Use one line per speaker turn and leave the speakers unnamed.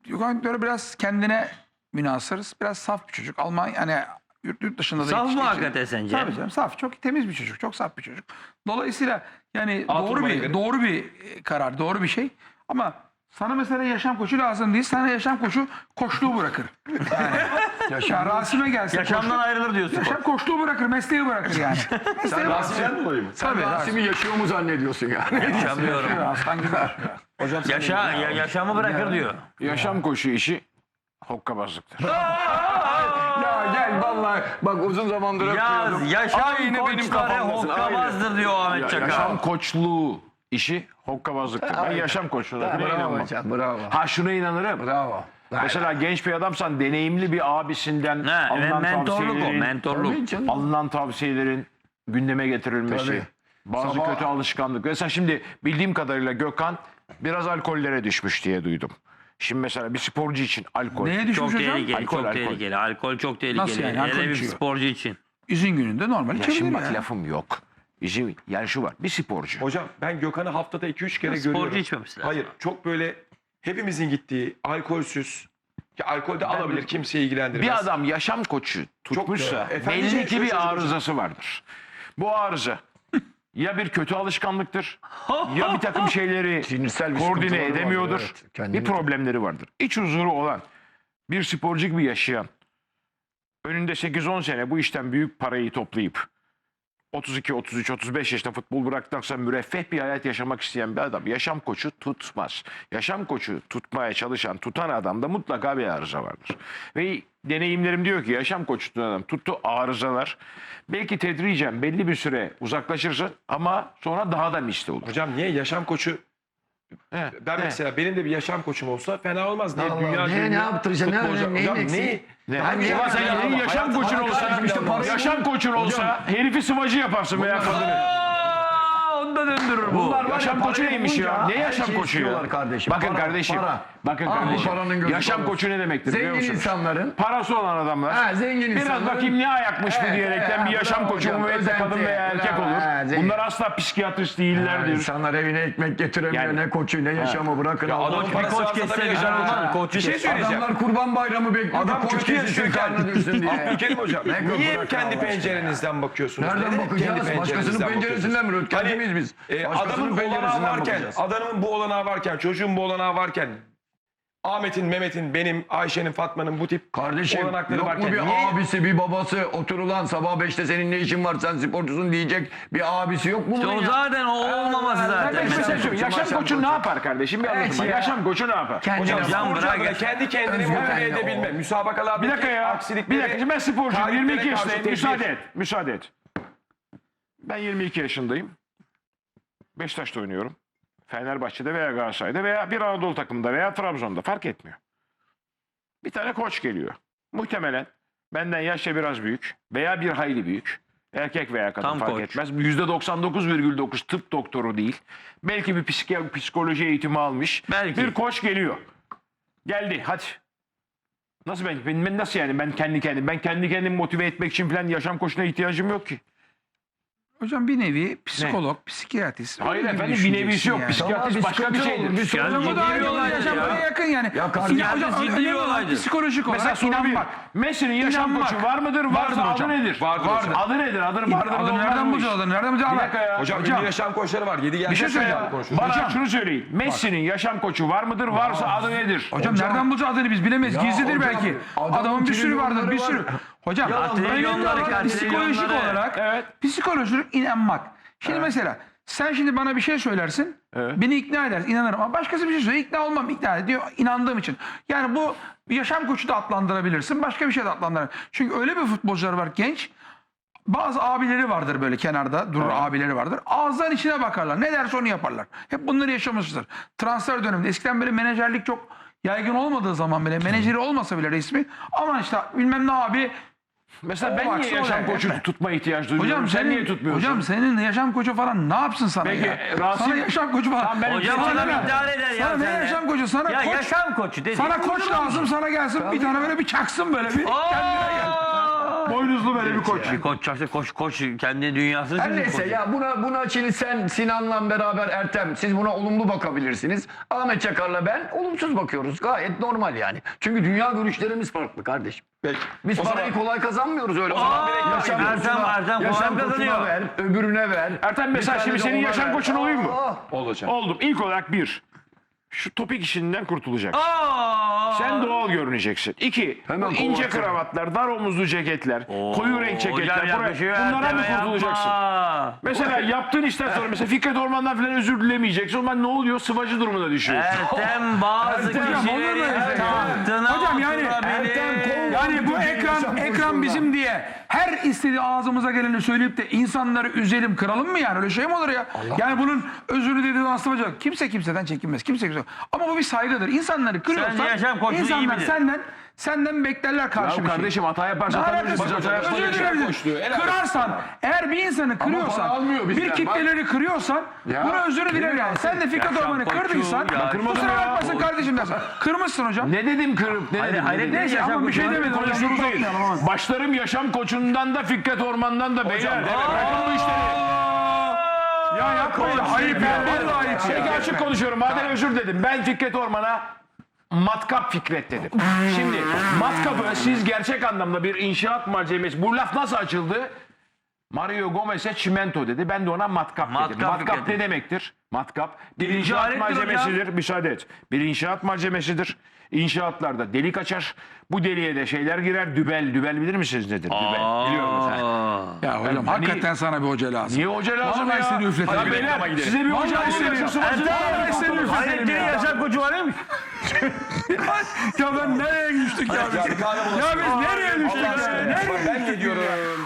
Gökhan Töre biraz kendine münhasır, biraz saf bir çocuk. Almanya hani yurt dışında da
Saf mı
yetiştiği için-
hakikaten sence?
Tabii canım, saf, çok temiz bir çocuk, çok saf bir çocuk. Dolayısıyla yani
Altınordu'ya göre.
doğru bir karar, doğru bir şey. Ama sana mesela yaşam koçu lazım değil. Sana yaşam koçu koçluğu bırakır. Yani Rasim'e gelse
Yaşamdan ayrılır diyorsun.
yaşam koçluğu bırakır, mesleği bırakır yani. Mesleği bırakır.
Rasim'den dolayı mı?
Tabii,
Rasim'i yaşıyor mu zannediyorsun yani?
Yaşamıyorum.
Aslan gibi yaşıyor.
Yaşamı bırakır diyor.
Yaşam koçu işi hokkabazlıktır.
Ya gel vallahi bak uzun zamandır öpmüyordum.
Yaşam
Aynı benim
koçları
kafamdasın,
hokkabazdır diyor Ahmet Çakar.
Yaşam koçluğu işi hokkabazlıktır. Ben yaşam koçluğuna bile
Bravo
inanmam.
hocam, bravo.
Ha şuna inanırım.
Bravo.
Mesela genç bir adamsan deneyimli bir abisinden
Ha, ve
alınan
mentorluk o,
tavsiyelerin,
mentorluk.
Tabii canım.
alınan tavsiyelerin gündeme getirilmesi,
Tabii.
bazı
Sabah-
kötü alışkanlık. Mesela şimdi bildiğim kadarıyla Gökhan biraz alkollere düşmüş diye duydum. Şimdi mesela bir sporcu için alkol.
Neye düşmüş
Çok
hocam?
tehlikeli,
Alkol,
çok
alkol.
tehlikeli. Alkol çok tehlikeli.
Nasıl yani? Alkol
Hele bir
içiyor.
sporcu için.
İzin gününde normal
Ya
içebilir
şimdi
ya.
bak lafım yok. Yani şu var. Bir sporcu.
Hocam ben Gökhan'ı haftada 2-3 kere
Sporcu
görüyorum.
içmemesi lazım.
Hayır, çok böyle hepimizin gittiği alkolsüz. Ki alkol de alabilir, kimseyi ilgilendirmez.
Bir adam yaşam koçu tutmuşsa
Efendice
belli ki bir
şöyle
arızası vardır. Bu arıza ya bir kötü alışkanlıktır ya bir takım şeyleri
Sinirsel bir
koordine
sıkıntıları vardır,
edemiyordur.
evet. Kendini-
Bir problemleri vardır. İç huzuru olan bir sporcu gibi yaşayan, önünde 8-10 sene bu işten büyük parayı toplayıp 32, 33, 35 yaşında futbol bıraktıktan sonra müreffeh bir hayat yaşamak isteyen bir adam yaşam koçu tutmaz. Yaşam koçu tutmaya çalışan, tutan adamda mutlaka bir arıza vardır. Ve deneyimlerim diyor ki yaşam koçu tutan adam tuttu arızalar. Belki tedricen belli bir süre uzaklaşırsın ama sonra daha da misli olur.
Hocam niye yaşam koçu?
He,
Ben
he.
mesela benim de bir yaşam koçum olsa fena olmaz. Niye
Allah,
dünya
ne yaptıracaksın?
futbolcu?
Neyin
Hocam
eksiği?
neyi?
Ne?
Hangi
Ulan sen
yaşam-
senin yaşam
hayat-
koçun
hayat-
olsa,
hayat-
işte parayı-
yaşam koçun olsa herifi sıvacı yaparsın veya kadını.
Onu da döndürür bu.
Bunlar var ya,
Yaşam koçu
parayı
neymiş ya?
bulunca
Ne
her
yaşam
şeyi
koçu ya?
istiyorlar kardeşim.
Bakın
Para,
kardeşim.
para.
Bakın
Aa,
kardeşim.
paranın gözü
Yaşam
parası.
koçu ne demektir biliyor
Zengin
musunuz?
insanların.
Parası olan adamlar.
Ha, zengin
Biraz
insanların.
bakayım ne ayakmış bu
Evet,
diyerekten
evet,
bir yaşam
bravo
koçu
hocam,
müvekkil kadın
özenti,
veya erkek
bravo,
olur.
ha, zengin.
Bunlar asla psikiyatrist
Yani
değillerdir.
insanlar evine ekmek getiremiyor,
Yani-
ne koçu ne yaşamı bırakın.
Ya
Allah
adamın
aşkına.
Bir
parası
koç
varsa
kesse
tabii
güzel
yaşam
olmaz.
koçu.
Koç
Bir şey
kesse.
söyleyeceğim.
Adamlar kurban bayramı bekliyor.
Adam
koç
kötü
kesilsin,
yaşıyorken.
karnı düşsün diye.
Abdülkerim hocam.
Ne
Niye
bırak
kendi
Allah aşkına
pencerenizden bakıyorsunuz?
Nereden
Neden
bakacağız?
kendi
Başkasının
pencerenizden
penceresinden mi?
bakıyorsunuz?
Kendi miyiz biz? Başkasının
Adamın bu olanağı
penceresinden
varken,
bakacağız.
adamın bu olanağı varken, çocuğun bu olanağı varken, Ahmet'in, Mehmet'in, benim, Ayşe'nin, Fatma'nın bu tip
Kardeşim
olanakları
yok mu
varken
bir
niye?
abisi bir babası oturulan sabah 5'te senin ne işin var sen sporcusun diyecek bir abisi yok mu
İşte
bunun
o
ya?
zaten o olmaması
Ben
zaten.
de bir şey söyleyeyim. Yaşam koçu ne yapar kardeşim? Bir anlatın.
ya.
Yaşam koçu ne yapar?
Hocam
Hocam
sporcu
bırak
adına
ya.
kendi kendini
Özgür
motive
kaynağı
edebilme.
o.
Müsabakalardaki
Bir dakika ya.
aksilikleri...
Bir dakika. Şimdi ben sporcuyum.
taliplere
22
karşı
yaşındayım.
tedbir.
Müsaade et. Müsaade et. Ben 22 yaşındayım. Beşiktaş'ta oynuyorum. Fenerbahçe'de veya Galatasaray'da veya bir Anadolu takımında veya Trabzon'da fark etmiyor. Bir tane koç geliyor. Muhtemelen benden yaşça biraz büyük veya bir hayli büyük. Erkek veya kadın
Tam
fark
koç.
etmez. %99,9 tıp doktoru değil. Belki bir psikoloji eğitimi almış.
Belki.
Bir koç geliyor. Geldi hadi. Nasıl ben nasıl yani ben kendi kendimi motive etmek için falan yaşam koçuna ihtiyacım yok ki.
Hocam bir nevi psikolog, psikiyatrist.
Hayır
öyle gibi
efendim bir
düşüneceksin
nevisi yok.
yani.
Psikiyatrist
Tamam,
başka bir
sıkıntı
şeydir.
olur, bir
Yani
Hocam bu da
ciddi
aynı
bir
olay
olay
yaşamaya
ya.
yakın yani.
Ya kardeşim,
Ya hocam
ciddi
önemli
bir
olan
olaydır.
psikolojik
Mesela
olarak
soru bir.
inanmak.
Messi'nin yaşam
İnanmak.
koçu var mıdır?
Vardır
Varsa
hocam.
adı nedir?
Vardır hocam.
Adı nedir? Vardır
Adı
olmaz
nereden
bu iş.
bulacağız adını? Nereden bulacağız?
Bir dakika ya.
Hocam, ünlü yaşam koçları var. 7
Bir şey söyleyeceğim.
Bana şunu söyleyin. Messi'nin yaşam koçu var mıdır? Varsa adı nedir?
Hocam nereden bulacağız adını biz bilemeyiz.
Ya
Gizlidir
hocam,
belki.
adamın
Adamın bir sürü vardır, bir
trilyonları
sürü.
var.
Hocam
trilyonları,
önemli olan psikolojik
trilyonları.
olarak,
Evet.
psikolojik inanmak. Şimdi mesela sen şimdi bana bir şey söylersin,
Evet.
beni ikna edersin, inanırım. Ama başkası bir şey söylüyor, ikna olmam, ikna ediyor, inandığım için. Yani bu yaşam koçu da adlandırabilirsin, başka bir şey de adlandırabilirsin. Çünkü öyle bir futbolcular var genç, bazı abileri vardır böyle kenarda durur abileri vardır. Ağızdan içine bakarlar. Ne derse onu yaparlar. Hep bunları yaşamışızdır. Transfer döneminde eskiden böyle menajerlik çok yaygın olmadığı zaman bile menajeri olmasa bile resmi aman işte bilmem ne abi.
Mesela
O
ben niye
baksana
yaşam
oraya,
koçu
yapma.
tutma ihtiyacı duyuyorum?
Hocam
Sen niye tutmuyorsun?
Hocam senin yaşam koçu falan ne yapsın sana
Peki,
ya?
Rasim-
Sana yaşam koçu falan.
Tamam, ben-
Hocam
Sana
adam
ne?
idare eder ya.
Sana ne
sen de.
yaşam koçu? Sana
Ya
koç.
yaşam koçu dedi.
Sana koç lazım, sana gelsin bir tane böyle bir çaksın böyle bir kendine gel.
Boynuzlu böyle bir koç.
Bir koç çarşı koç kendi dünyasını
Her
çizmiş
neyse
koç.
ya buna şimdi sen Sinan'la beraber Ertem siz buna olumlu bakabilirsiniz. Ahmet Çakar'la ben olumsuz bakıyoruz. Gayet normal yani. Çünkü dünya görüşlerimiz farklı kardeşim.
Peki.
Biz
O zaman-
parayı kolay kazanmıyoruz öyle. O zaman
Ertem kolay kazanıyor.
ver, öbürüne ver.
Ertem mesela
Bir
şimdi
tane de
senin
ona
yaşam
ver.
koçun olayım mı?
Olacak.
Oldum. İlk olarak bir. Şu topik işinden kurtulacaksın.
Aa!
Sen doğal görüneceksin. İki,
Hemen
bu ince
kovarsın.
kravatlar, dar omuzlu ceketler, koyu renk
Hocam
ceketler.
yakışıyor,
Bunlara mı
Ertem'e
kurtulacaksın?
yapma.
Mesela yaptığın işten sonra mesela Fikret Orman'dan falan özür dilemeyeceksin. O zaman ne oluyor? Sıvacı durumuna düşüyorsun.
Ertem bazı kişilerin tahtına
Hocam yani
oturabilir.
Yani bu ekran bizim diye her istediği ağzımıza geleni söyleyip de insanları üzelim, kıralım mı yani? Öyle şey mi olur ya? Yani bunun özürü dediği aslında kimse kimseden çekinmez. Kimse. Ama bu bir saygıdır. İnsanları kırıyorsan
Sence yaşam koçluğu iyi
insanlar
midir?
senden beklerler karşı
Ya
bir şey.
kardeşim hata yaparsan
Ne
tabii
alakası
biz
var?
hata yaparız.
Özür
yaşam
dilerim.
koçluğu, helal olsun.
Kırarsan, eğer bir insanı kırıyorsan,
almıyor bizden,
bir
bak.
kitleleri kırıyorsan,
Ya,
buna özür diler yani. Sen de Fikret
Yaşam
Orman'ı
koçluğu,
kırdıysan,
ya.
Kırmadım
kusura
ya.
bakmasın kardeşim dersen. Kırmışsın hocam.
Ne dedim kırıp ne dedim?
hayret
ne dedim?
Neyse ama bir şey demedim. Hocam
Konuştuğumuz değil.
uzatmayalım ama.
Başlarım yaşam koçundan da Fikret Orman'dan da beyler. Bırakın bu işleri.
Ya yapmayın. Ayıp ya. Vallahi ayıp
Peki
ya.
açık konuşuyorum. Madem özür dedim. Ben Fikret Orman'a matkap Fikret dedim. Şimdi matkapı siz gerçek anlamda bir inşaat malzemesi. Bu laf nasıl açıldı? Mario Gomez'e çimento dedi. Ben de ona matkap dedim.
Matkap
Matkap
Fikret.
ne demektir? Matkap bir inşaat
alettir
malzemesidir. Müsaade et. Bir inşaat malzemesidir. İnşaatlarda delik açar. Bu deliğe de şeyler girer. Dübel. Dübel bilir misiniz nedir? Dübel. Biliyorum mesela.
Ya hocam hakikaten sana bir hoca lazım.
Niye hoca lazım
Vallahi
ya?
seni üfletelim.
Ya beyler size bir hoca
Vallahi seni
istiyorsun.
Vallahi seni üfletelim
Hayrettin'in
ya.
yaşam koçu var değil mi?
Ya ben nereye düştük ya?
Ya bir kahve
Ya biz nereye düştük ya?
Ben ne diyorum?